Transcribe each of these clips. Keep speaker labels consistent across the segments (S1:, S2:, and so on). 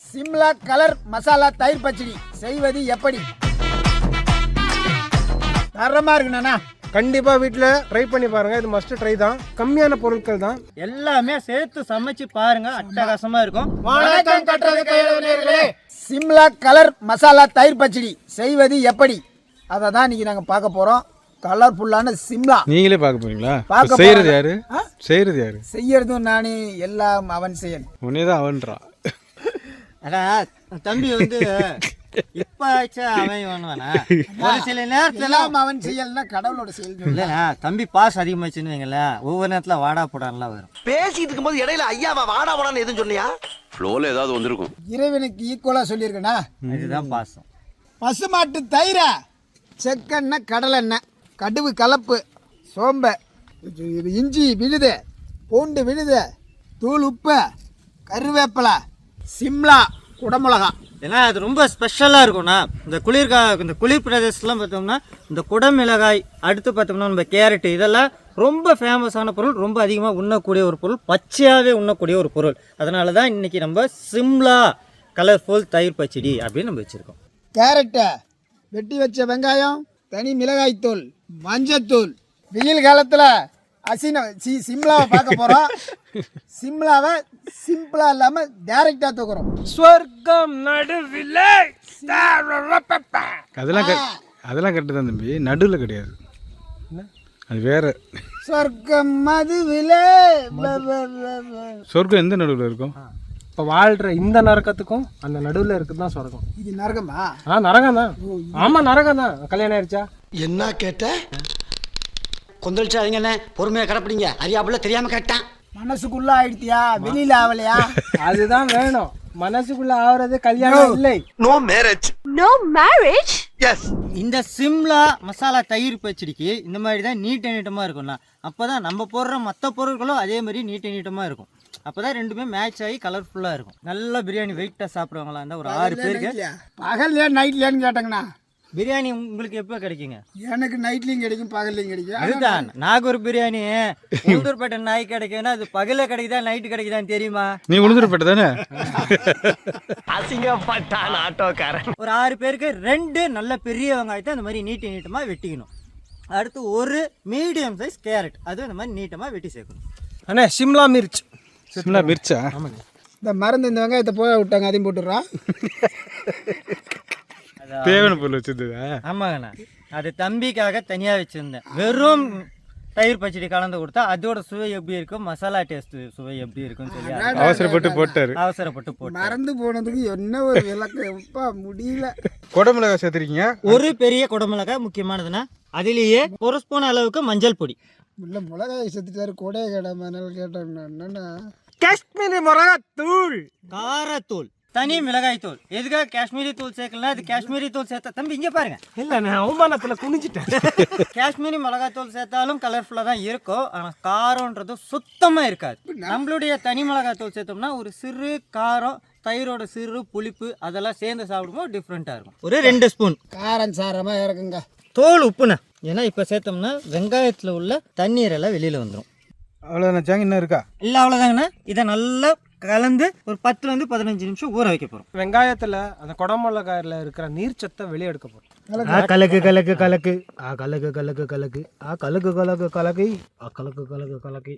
S1: Shimla colour masala தயிர் பச்சடி செய்வது எப்படி? தரமா இருக்குண்ணா.
S2: கண்டிப்பா வீட்டில் ட்ரை பண்ணி பாருங்க. இது மஸ்ட் ட்ரை தான். கம்மியான பொருட்கள் தான்,
S3: எல்லாமே சேர்த்து சமைச்சு பாருங்க, அட்டகாசமா இருக்கும்.
S1: வணக்கம் கட்டுறது கையிலே. சிம்லா கலர் மசாலா தயிர் பச்சடி செய்வது எப்படி? அதை தான் இன்னைக்கு நாங்கள் பார்க்க போறோம். கலர்ஃபுல்லான சிம்லா
S4: நீங்களே பார்க்க போறீங்களா?
S1: பார்க்க
S4: செய்யறது யாரு? செய்யறது யாரு?
S1: செய்யறதும் நானே, எல்லாம் அவன் செயல்.
S4: உன்னேதான் அவன்றா.
S3: அடா தம்பி வந்து இப்ப ஆச்சா அவன் வேணுவானா? ஒரு சில நேரத்துல
S1: எல்லாம் அவன் செயல்னா கடவுளோட செயல்.
S3: இல்லைண்ணா, தம்பி பாஸ் அதிகமாச்சுன்னு வைங்களேன், ஒவ்வொரு நேரத்துல வாடா போடான்லாம் வரும்.
S5: பேசிட்டு இருக்கும்போது இடையில ஐயாவா வாடா போடான்னு எதுவும் சொன்னியா?
S6: ஃப்ளோல ஏதாவது வந்திருக்கும்.
S1: இறைவனுக்கு ஈக்குவலா சொல்லியிருக்கேனா?
S3: இதுதான் பாசம்.
S1: பசுமாட்டு தயிர, செக்கெண்ணெய், கடலெண்ணெய், கடுகு கலப்பு, சோம்பை, இஞ்சி விழுது, பூண்டு விழுது, தூள் உப்பு, கருவேப்பிலை, சிம்லா குடமிளகா.
S3: ஏன்னா அது ரொம்ப ஸ்பெஷலாக இருக்கும்ண்ணா. இந்த குளிர் பிரதேசத்துலாம் பார்த்தோம்னா இந்த குடமிளகாய், அடுத்து பார்த்தோம்னா நம்ம கேரட்டு, இதெல்லாம் ரொம்ப ஃபேமஸான பொருள், ரொம்ப அதிகமாக உண்ணக்கூடிய ஒரு பொருள், பச்சையாகவே உண்ணக்கூடிய ஒரு பொருள். அதனால தான் இன்றைக்கி நம்ம சிம்லா கலர்ஃபுல் தயிர் பச்சடி அப்படின்னு நம்ம வச்சுருக்கோம்.
S1: கேரட்டை வெட்டி வச்ச வெங்காயம், தனி மிளகாய்த்தூள், மஞ்சத்தூள். வெயில் காலத்தில் சிம்லாவை பார்க்க போகிறோம். சிம்லாவை சிம்பிளாக இல்லாமல் டைரெக்டாக தூக்குறோம்.
S2: சொர்க்கம் நடுவில்.
S4: அதெல்லாம் கரெக்டு தான் தம்பி, நடுவில் கிடையாது, அது வேற.
S1: சொர்க்கம் மதுவில்.
S4: சொர்க்கம் எந்த நடுவில் இருக்கும்?
S2: இப்போ வாழ்கிற இந்த நரகத்துக்கும் அந்த நடுவில் இருக்குது தான் சொர்க்கம்.
S1: இது நரகமா?
S2: நரகம் தான். ஆமாம், நரகம் தான். கல்யாணம் ஆயிடுச்சா?
S5: என்ன கேட்ட?
S7: கொந்தளிச்சாதீங்கண்ணே, பொறுமையாக கிடப்பிடிங்க. அறியாப்புல தெரியாமல் கேட்டான்.
S1: மனசுக்குள்ள ஆயிடுத்தியா, வெளியில ஆகலையா?
S2: அதுதான் வேணும். மனசுக்குள்ள ஆவறது கல்யாணம் இல்லை.
S5: No marriage.
S8: No marriage?
S5: Yes.
S3: இந்த சிம்லா மசாலா தயிர் பச்சடிக்கு இந்த மாதிரி தான் நீட்டமாக இருக்கும்ண்ணா. அப்போ தான் நம்ம போடுற மற்ற பொருட்களும் அதே மாதிரி நீட்டமாக இருக்கும். அப்போ தான் ரெண்டுமே மேட்ச் ஆகி கலர்ஃபுல்லாக இருக்கும். நல்ல பிரியாணி வெயிட்டாக சாப்பிட்றவங்களா இருந்தால் ஒரு 6 பேருக்கு.
S1: பகல்லையா நைட்லையான்னு கேட்டேங்கண்ணா.
S3: பிரியாணி உங்களுக்கு எப்போ கிடைக்குங்க?
S1: எனக்கு நைட்லையும் கிடைக்கும், பகல்லையும் கிடைக்கும்.
S3: அதுதான் நாகூர் பிரியாணி உளுந்தூர்பேட்டை நாய் கிடைக்குன்னா அது பகல கிடைக்குதா நைட்டு கிடைக்குதான்னு தெரியுமா?
S4: நீ உளுந்தூர்பேட்டை தானே?
S5: அசிங்கப்பட்டான் ஆட்டோக்காரன்.
S3: ஒரு 6 பேருக்கு 2 நல்ல பெரிய வெங்காயத்தை அந்த மாதிரி நீட்டமாக வெட்டிக்கணும். அடுத்து ஒரு மீடியம் சைஸ் கேரட், அது அந்த மாதிரி நீட்டமாக வெட்டி சேர்க்கணும்.
S2: அண்ணே சிம்லா மிர்ச்.
S4: சிம்லா மிர்ச்சா?
S2: ஆமாங்க.
S1: இந்த மருந்து இந்த வெங்காயத்தை போக விட்டாங்க, அதையும் போட்டுடுறான்.
S4: தேவையான பொருள் வச்சிருந்ததா?
S3: ஆமாங்கண்ணா, அது தம்பிக்காக தனியாக வச்சுருந்தேன். வெறும் தயிர் பச்சடி கலந்து கொடுத்தா அதோட சுவை எப்படி இருக்கும், மசாலா டேஸ்ட் சுவை எப்படி இருக்குன்னு சொல்லி
S4: அவசரப்பட்டு
S3: போட்டு
S1: மறந்து போனதுக்கு என்ன ஒரு விளக்க முடியல.
S4: குடமிளகாய் சேர்த்துருக்கீங்க.
S3: ஒரு பெரிய குடமிளகாய் முக்கியமானதுன்னா, அதிலேயே 1 ஸ்பூன் அளவுக்கு மஞ்சள் பொடி.
S1: உள்ள மிளகாய் சேர்த்துட்டாரு, கொடைய கடை மணல் கேட்டேன். என்னன்னா
S2: காஷ்மீரி மிளகாத்தூள்,
S3: காரத்தூள், தனி மிளகாய் தூள். எதுக்காக காஷ்மீரி தூள் சேர்க்கலாம்? அது காஷ்மீரி தூள் சேர்த்தா தம்பி இங்கே பாருங்க.
S2: இல்லை நான் அவமானத்தில் குனிஞ்சிட்டேன்.
S3: காஷ்மீரி மிளகாய் தூள் சேர்த்தாலும் கலர்ஃபுல்லாக தான் இருக்கும், ஆனால் காரம்ன்றது சுத்தமாக இருக்காது. நம்மளுடைய தனி மிளகாய் தூள் சேர்த்தோம்னா ஒரு சிறு காரம், தயிரோட சிறு புளிப்பு அதெல்லாம் சேர்ந்து சாப்பிடும்போது டிஃப்ரெண்ட்டாக இருக்கும். ஒரு 2 ஸ்பூன்
S1: காரம் சாரமாக இறக்குங்க.
S3: தோல் உப்புண்ணா. ஏன்னா இப்போ சேர்த்தோம்னா வெங்காயத்தில் உள்ள தண்ணீரெல்லாம் வெளியில் வந்துடும்.
S4: அவ்வளோதான சாங்க? இன்னும் இருக்கா?
S3: இல்லை, அவ்வளோதாங்கண்ணா. இதை நல்லா கலந்து ஒரு 10 to 15 நிமிஷம் ஊற வைக்க போகிறோம்.
S2: வெங்காயத்தில் அந்த குடமிளகாயில் இருக்கிற நீர்ச்சத்தை வெளியே எடுக்க போகிறோம்.
S3: கலக்கு கலக்கு கலக்கு கலக்கு கலக்கு கலக்கு கலக்கு கலக்கு கலக்கு கலக்கு கலக்கு கலக்கு.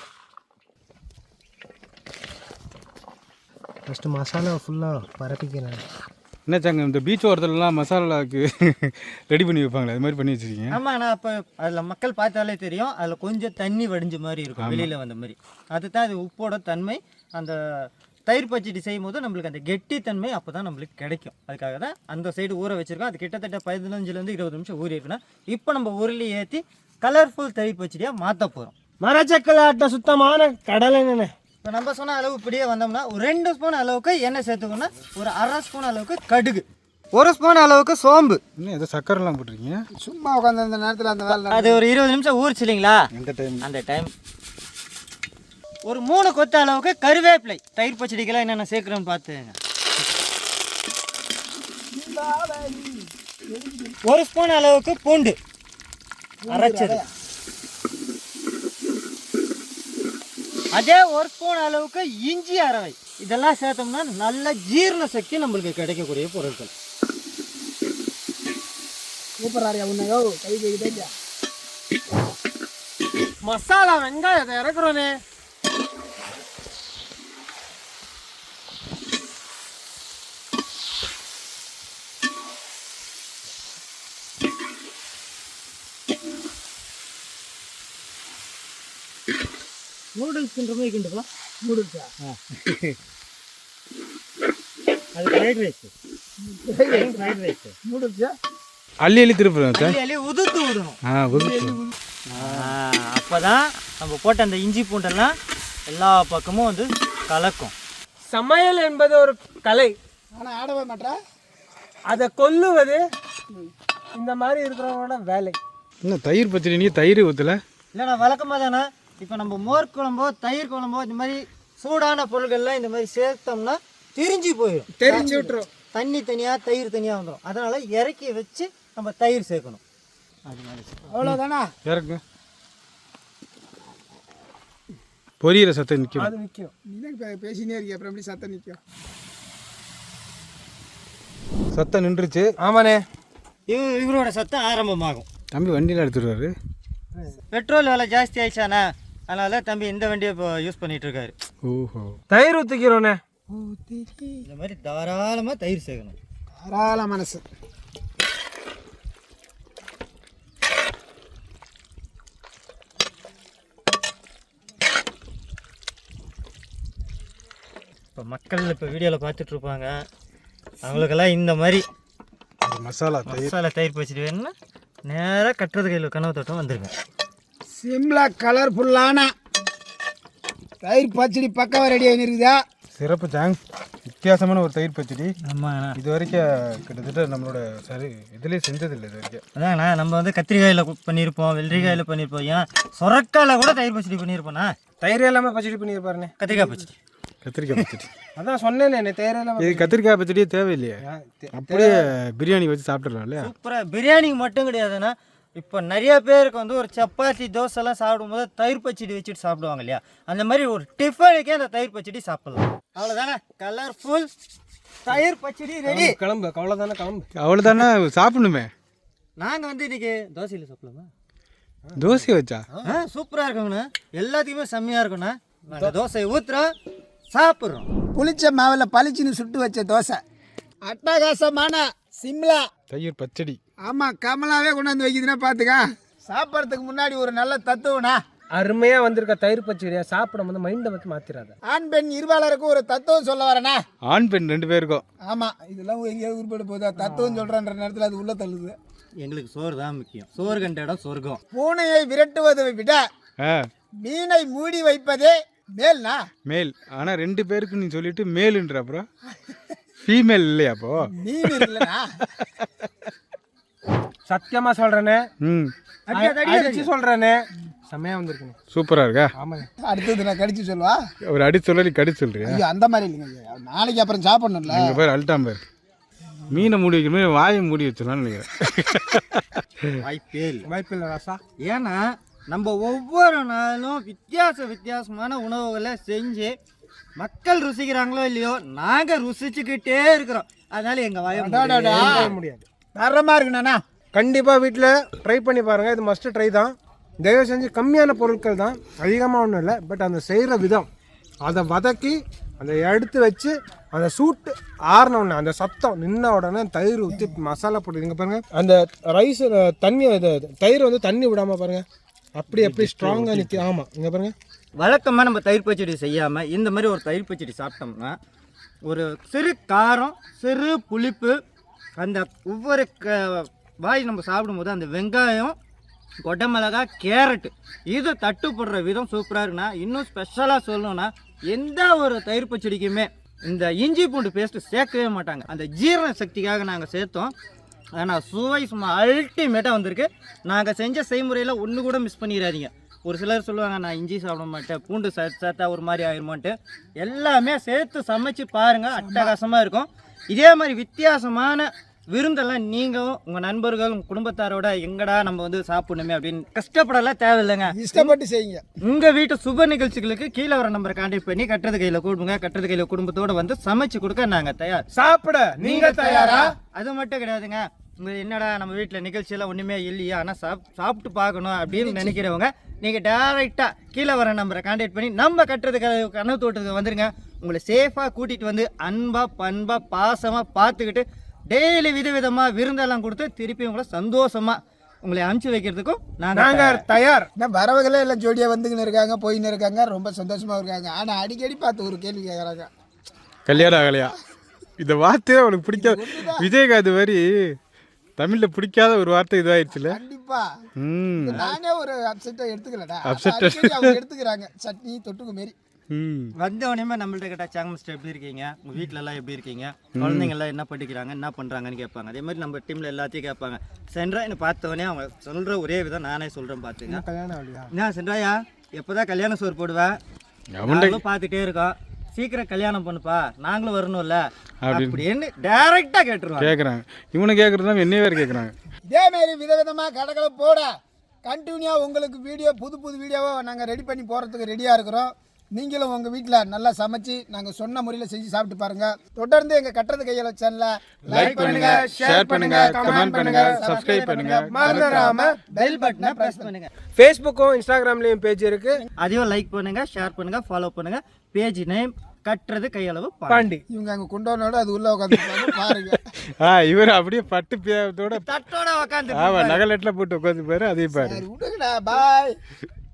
S2: ஃபஸ்ட்டு மசாலா ஃபுல்லாக பரப்பிக்கிறேன்.
S4: என்ன சாங்க, இந்த பீச் ஓரத்துலலாம் மசாலாவுக்கு ரெடி பண்ணி வைப்பாங்களே, அது மாதிரி பண்ணி வச்சுருக்கீங்க?
S3: ஆமாம், நான் அப்போ அதில் மக்கள் பார்த்தாலே தெரியும், அதில் கொஞ்சம் தண்ணி வடிஞ்ச மாதிரி இருக்கும், வெளியில் வந்த மாதிரி. அதுதான் அது உப்போட தன்மை. அந்த தயிர் பச்சடி செய்யும் போது நம்மளுக்கு அந்த கெட்டி தன்மை அப்போ தான் நம்மளுக்கு கிடைக்கும். அதுக்காக தான் அந்த சைடு ஊற வச்சுருக்கோம். அது கிட்டத்தட்ட 15 to 20 நிமிஷம் ஊறி இருக்குன்னா இப்போ நம்ம உருளி ஏற்றி கலர்ஃபுல் தயிர் பச்சடியாக மாற்ற போகிறோம்.
S2: மரச்சக்கலாட்ட சுத்தமான கடலை எண்ணெய்.
S3: இப்போ நம்ம சொன்ன அளவு இப்படியே வந்தோம்னா ஒரு 2 ஸ்பூன் அளவுக்கு எண்ணெய் சேர்த்துக்கோன்னா, ஒரு 1/2 ஸ்பூன் அளவுக்கு கடுகு, 1 ஸ்பூன் அளவுக்கு சோம்பு.
S4: இன்னும் எதோ சக்கரெல்லாம் போட்டிருக்கீங்க.
S1: சும்மா உட்காந்து அந்த நேரத்தில் அந்த வேலை
S3: அது ஒரு 20 நிமிஷம் ஊறிச்சு இல்லைங்களா? அந்த டைம் ஒரு 3 கொத்து அளவுக்கு கருவேப்பிலை. தயிர் பச்சடிக்கெல்லாம் என்னென்ன சேர்க்குறோன்னு பார்த்துங்க. 1 ஸ்பூன் அளவுக்கு பூண்டு அரைச்சது, அதே 1 ஸ்பூன் அளவுக்கு இஞ்சி அரவை, இதெல்லாம் சேர்த்தோம்னா நல்ல ஜீரண சக்தி நம்மளுக்கு கிடைக்கக்கூடிய பொருட்கள்.
S1: சூப்பர் ஆரியா உன்னையோ கை கைதா
S2: மசாலா வெங்காயத்தை இறக்குறோனே.
S3: நூடுல்ஸ்ன்ற மாதிரி கிண்டுப்பா.
S1: நூடுல்ஸா?
S3: அது ஃப்ரைட் ரைஸ். ஃப்ரைட் ரைஸ்
S1: நூடுல்ஸா?
S4: அள்ளி அள்ளி திருப்புறேன்.
S3: அள்ளி உதுத்து விடணும்.
S4: உதுத்து.
S3: அப்பதான் நம்ம போட்ட அந்த இஞ்சி பூண்டெல்லாம் எல்லா பக்கமும் வந்து கலக்கும்.
S2: சமையல் என்பது ஒரு கலை.
S1: ஆனால் ஆடவே மாட்டா.
S2: அதை கொல்லுவது இந்த மாதிரி இருக்கிறவங்களோட வேலை.
S4: இன்னும் தயிர் பச்சடி நீ தயிர் ஊற்றல?
S3: இல்லைண்ணா வழக்கமாக தானே. இப்போ நம்ம மோர் குழம்போ தயிர் குழம்போ இந்த மாதிரி சூடான பொருட்கள்லாம் இந்த மாதிரி சேர்த்தோம்னா திரிஞ்சு போயிடும்.
S2: தெரிஞ்சு விட்டுரும்.
S3: தண்ணி தனியாக தயிர் தனியாக வந்துடும். அதனால் இறக்கி வச்சு நம்ம தயிர் சேர்க்கணும்.
S1: அவ்வளோதானா?
S4: இறக்குங்க. பொரியிற சத்தம் நிற்கும்.
S2: அது நிற்கும்.
S1: நீ தான் பேசினே இருக்கிய, அப்புறம் எப்படி சத்தம் நிற்கும்?
S4: சத்தம் நின்றுச்சு.
S2: ஆமாண்ணே.
S3: இவரோட சத்தம் ஆரம்பமாகும்.
S4: தம்பி வண்டியில் எடுத்துருவாரு.
S3: பெட்ரோல் விலை ஜாஸ்தி ஆயிடுச்சாண்ணா, அதனால் தம்பி இந்த வண்டியை இப்போ யூஸ் பண்ணிகிட்டு இருக்காரு.
S4: ஓஹோ.
S2: தயிர் ஊற்றிக்கிறோண்ணே.
S3: இந்த மாதிரி தாராளமாக தயிர் சேர்க்கணும்.
S1: தாராள மனசு.
S3: இப்போ மக்கள் இப்போ வீடியோவில் பார்த்துட்ருப்பாங்க, அவங்களுக்கெல்லாம் இந்த மாதிரி
S4: மசாலா
S3: தயிர் பச்சடி வேணும்னா நேராக கட்டுறது கையில் கனவு தோட்டம் வந்துருங்க.
S1: சிம்லா கலர்ஃபுல்லான தயிர் பச்சடி பக்காவாக ரெடி ஆகிருக்குதா?
S4: சிறப்பு தேங்க்ஸ். வித்தியாசமான ஒரு தயிர் பச்சடி.
S3: ஆமாண்ணா.
S4: இது வரைக்கும் கிட்டத்தட்ட நம்மளோட சரி இதுலேயே செஞ்சதில்லை இது வரைக்கும்.
S3: அதாண்ணா, நம்ம வந்து கத்திரிக்காயில் பண்ணியிருப்போம், வெள்ளரிக்காயில் பண்ணியிருப்போம், ஏன் சொரக்காயில் கூட தயிர் பச்சடி பண்ணியிருப்போண்ணா.
S2: தயிர் இல்லாமல் பச்சடி பண்ணியிருப்பாருண்ணே.
S3: கத்திரிக்காய் பச்சடி.
S4: கத்திரிக்காய் பச்சடி
S2: அதான் சொன்னேனே, தயிர் இல்லாமல்.
S4: இது கத்திரிக்காய் பச்சடியே தேவையில்லையே, அப்படியே பிரியாணி வச்சு சாப்பிட்றலாம் இல்லையா?
S3: சூப்பராக. பிரியாணிக்கு மட்டும் கிடையாதுண்ணா, இப்போ நிறைய பேருக்கு வந்து ஒரு சப்பாத்தி தோசைலாம் சாப்பிடும்போது தயிர் பச்சடி வச்சுட்டு சாப்பிடுவாங்க இல்லையா, அந்த மாதிரி ஒரு டிஃபனுக்கே அந்த தயிர் பச்சடி சாப்பிடலாம். அவ்வளோதானே, கலர்ஃபுல் தயிர் பச்சடி ரெடி.
S2: கிளம்பு, அவ்வளோதானே, கிளம்பு.
S4: அவ்வளோதானே, சாப்பிடணுமே.
S3: நாங்கள் வந்து இன்னைக்கு தோசையில் சாப்பிடலாமா?
S4: தோசை வச்சா
S3: சூப்பராக இருக்குங்கண்ணா, எல்லாத்துக்குமே செம்மையாக இருக்குண்ணா. நாங்கள் தோசையை ஊற்றுறோம், சாப்பிட்றோம்.
S1: புளிச்ச மாவில் பளிச்சுன்னு சுட்டு வச்ச தோசை, அட்டகாசமான சிம்லா
S4: தயிர் பச்சடி.
S1: ஆமாம், கமலாவே கொண்டாந்து வைக்குதுன்னா பார்த்துக்க. சாப்பிட்றதுக்கு முன்னாடி ஒரு நல்ல தத்துவம்னா,
S2: அருமையாக வந்திருக்க தயிர் பச்சடியை சாப்பிடும் போது மைண்டை வந்து மாற்றிடாத.
S1: ஆண் பெண் இருபாலருக்கும் ஒரு தத்துவம் சொல்ல வரேனா?
S4: ஆண் பெண் 2 பேருக்கும்.
S1: ஆமாம், இதெல்லாம் எங்கேயாவது உருப்பட போதா? தத்துவம் சொல்கிறன்ற நேரத்தில் அது உள்ள தள்ளுது.
S3: எங்களுக்கு சோறு தான் முக்கியம். சோறு கண்ட இடம் சொர்க்கம்.
S1: பூனையை விரட்டுவதை விட மீனை மூடி வைப்பதே மேல்னா?
S4: மேல். ஆனால் 2 பேருக்கு நீ சொல்லிட்டு மேலுன்ற, அப்புறம் ஃபீமேல் இல்லையா? அப்போ
S1: மீன் இல்லைனா?
S2: சத்தியமா சொல்றேனே,
S4: ம்
S2: அடிச்சு சொல்றேனே, செம்மையா வந்திருக்குங்க.
S4: சூப்பராக இருக்கா?
S2: ஆமாங்க.
S1: அடுத்தது நான் கடிச்சு சொல்லுவா?
S4: ஒரு அடி சொல்ல நீ கடிச்சு சொல்றியா?
S1: ஐயோ, அந்த மாதிரி இல்லைங்க, நாளைக்கு அப்புறம் சாப்பிடணும்ல.
S4: எங்கள் பேர் அல்டாம் பேர். மீனை மூடி வைக்கிற மாதிரி வாயை மூடி வச்சிடலான்னு நினைக்கிறேன்.
S2: வாய்ப்பில்லை ராசா.
S3: ஏன்னா நம்ம ஒவ்வொரு நாளும் வித்தியாசமான உணவுகளை செஞ்சு மக்கள் ருசிக்கிறாங்களோ இல்லையோ, நாங்கள் ருசிச்சுக்கிட்டே இருக்கிறோம். அதனால எங்கள் வாயை
S2: முடியாது.
S1: தரமாக இருக்குண்ணா.
S2: கண்டிப்பாக வீட்டில் ட்ரை பண்ணி பாருங்கள். இது மஸ்ட் ட்ரை தான். தயவு செஞ்சு கம்மியான பொருட்கள் தான், அதிகமாக ஒன்றும் இல்லை. பட் அந்த செய்கிற விதம், அதை வதக்கி அதை எடுத்து வச்சு அந்த சூட்டு ஆறின உடனே, அந்த சத்தம் நின்ன உடனே தயிர் ஊற்றி மசாலா போட்டு இங்கே பாருங்கள். அந்த ரைஸ் தண்ணி, தயிர் வந்து தண்ணி விடாமல் பாருங்கள், எப்படி ஸ்ட்ராங்காக நிற்கி. ஆமாம், இங்கே பாருங்கள்.
S3: வழக்கமாக நம்ம தயிர் பச்சடி செய்யாமல் இந்த மாதிரி ஒரு தயிர் பச்சடி சாப்பிட்டோம்னா ஒரு சிறு காரம், சிறு புளிப்பு, அந்த ஒவ்வொரு வாய் நம்ம சாப்பிடும்போது அந்த வெங்காயம், கொடமிளகா, கேரட்டு இது தட்டுப்படுற விதம் சூப்பராக இருக்குண்ணா. இன்னும் ஸ்பெஷலாக சொல்லணும்னா, எந்த ஒரு தயிர் பச்சடிக்குமே இந்த இஞ்சி பூண்டு பேஸ்ட்டு சேர்க்கவே மாட்டாங்க. அந்த ஜீரண சக்திக்காக நாங்கள் சேர்த்தோம். ஆனால் சுவை சும்மா அல்டிமேட்டாக வந்திருக்கு. நாங்கள் செஞ்ச செய்முறையில் ஒன்று கூட மிஸ் பண்ணிடாதீங்க. ஒரு சிலர் சொல்லுவாங்க, நான் இஞ்சி சாப்பிட மாட்டேன், பூண்டு சேர்த்தா ஒரு மாதிரி ஆயிருமான்ட்டு. எல்லாமே சேர்த்து சமைச்சு பாருங்கள், அட்டகாசமாக இருக்கும். இதே மாதிரி வித்தியாசமான விருந்தெல்லாம் நீங்கள் உங்கள் நண்பர்கள் உங்கள் குடும்பத்தாரோட எங்கடா நம்ம வந்து சாப்பிடணுமே அப்படின்னு கஷ்டப்படலாம் தேவையில்லைங்க.
S1: இஷ்டப்பட்டு செய்யுங்க.
S3: உங்கள் வீட்டு சுப நிகழ்ச்சிகளுக்கு கீழே வர நம்பரை கான்டாக்ட் பண்ணி கட்டுறது கையில் கூடுங்க. கட்டுறது கையில் குடும்பத்தோடு வந்து சமைச்சு கொடுக்க நாங்கள் தயார்.
S2: சாப்பிட நீங்க தயாரா?
S3: அது மட்டும் கிடையாதுங்க. உங்கள் என்னடா நம்ம வீட்டில் நிகழ்ச்சியெல்லாம் ஒன்றுமே இல்லையா, ஆனால் சாப்பிட்டு பார்க்கணும் அப்படின்னு நினைக்கிறவங்க நீங்கள் டேரெக்டாக கீழே வர நம்பரை கான்டாக்ட் பண்ணி நம்ம கட்டுறதுக்கு கனவு தோட்டத்துக்கு வந்துருங்க. உங்களை சேஃபாக கூட்டிகிட்டு வந்து அன்பாக பண்பாக பாசமாக பார்த்துக்கிட்டு டெய்லி விதவிதமாக விருந்தெல்லாம் கொடுத்து திருப்பி உங்களை சந்தோஷமாக உங்களை அனுப்பிச்சி வைக்கிறதுக்கும்
S2: நாங்கள் தயார்.
S1: வரவங்களே எல்லாம் ஜோடியாக வந்துக்கின்னு இருக்காங்க, போயின்னு இருக்காங்க, ரொம்ப சந்தோஷமாக இருக்காங்க. ஆனால் அடிக்கடி பார்த்து ஒரு கேள்வி கேட்குறாங்க,
S4: கல்யாணம் ஆகலையா? இந்த வார்த்தையே அவனுக்கு பிடிக்காது. விஜயகாந்த் மாதிரி தமிழில் பிடிக்காத ஒரு வார்த்தை இதாகிடுச்சுல.
S1: கண்டிப்பாக நானே ஒரு அப்செட்டாக எடுத்துக்கலடா. அவங்க எடுத்துக்கிறாங்க சட்னி தொட்டுக்கு மாரி.
S3: வந்த உடனே நம்மள்ட்ட கேட்டால் சாங் மிஸ்டர் எப்படி இருக்கீங்க, உங்கள் வீட்டில் எல்லாம் எப்படி இருக்கீங்க, குழந்தைங்கள்லாம் என்ன படிக்கிறாங்க, என்ன பண்ணுறாங்கன்னு கேட்பாங்க. அதே மாதிரி நம்ம டீமில் எல்லாத்தையும் கேட்பாங்க. சென்ட்ரா என்ன பார்த்தவொடனே அவங்க சொல்கிற ஒரே விதம் நானே சொல்கிறேன் பார்த்துங்க.
S2: கல்யாணம் ஆகலையா?
S3: என்ன சென்ட்ராயா எப்போ தான் கல்யாணம் சோறு போடுவேன், நாங்களும் பார்த்துட்டே இருக்கோம், சீக்கிரம் கல்யாணம் பண்ணுப்பா, நாங்களும் வரணும்ல அப்படின்னு டைரெக்டாக
S4: கேட்குறாங்க. இவனை கேட்குறதுனா என்னைய வேறு கேட்குறாங்க.
S1: இதேமாரி விதவிதமாக கடைகளை போட கண்டினியூவாக உங்களுக்கு வீடியோ புது வீடியோவை நாங்கள் ரெடி பண்ணி போகிறதுக்கு ரெடியாக இருக்கிறோம். நீங்களும் உங்கள் வீட்டில் நல்லா சமைச்சு நாங்கள் சொன்ன முறையில் செஞ்சு சாப்பிட்டு பாருங்கள். தொடர்ந்து எங்கள் கட்டுறது கையில் சேனலை லைக் பண்ணுங்க, ஷேர் பண்ணுங்க, கமெண்ட் பண்ணுங்க, சப்ஸ்கிரைப் பண்ணுங்க,
S2: மறந்துடாம
S3: பெல் பட்டனை ப்ரெஸ் பண்ணுங்க.
S2: ஃபேஸ்புக்கும் இன்ஸ்டாகிராம்லேயும் பேஜ் இருக்கு,
S3: அதையும் லைக் பண்ணுங்க, ஷேர் பண்ணுங்க, ஃபாலோ பண்ணுங்க. பேஜ் நேம் கட்டுறது கையளவு
S2: பாண்டி.
S1: இவங்க அங்கே கொண்டோனோட அது உள்ள உட்காந்து பாருங்க.
S4: இவர் அப்படியே பட்டு பேத்தோட
S3: தட்டோட உட்காந்து
S4: நகலெட்டில் போட்டு உட்காந்து பாரு. அதே பாரு.
S1: விடுங்கடா, பாய்.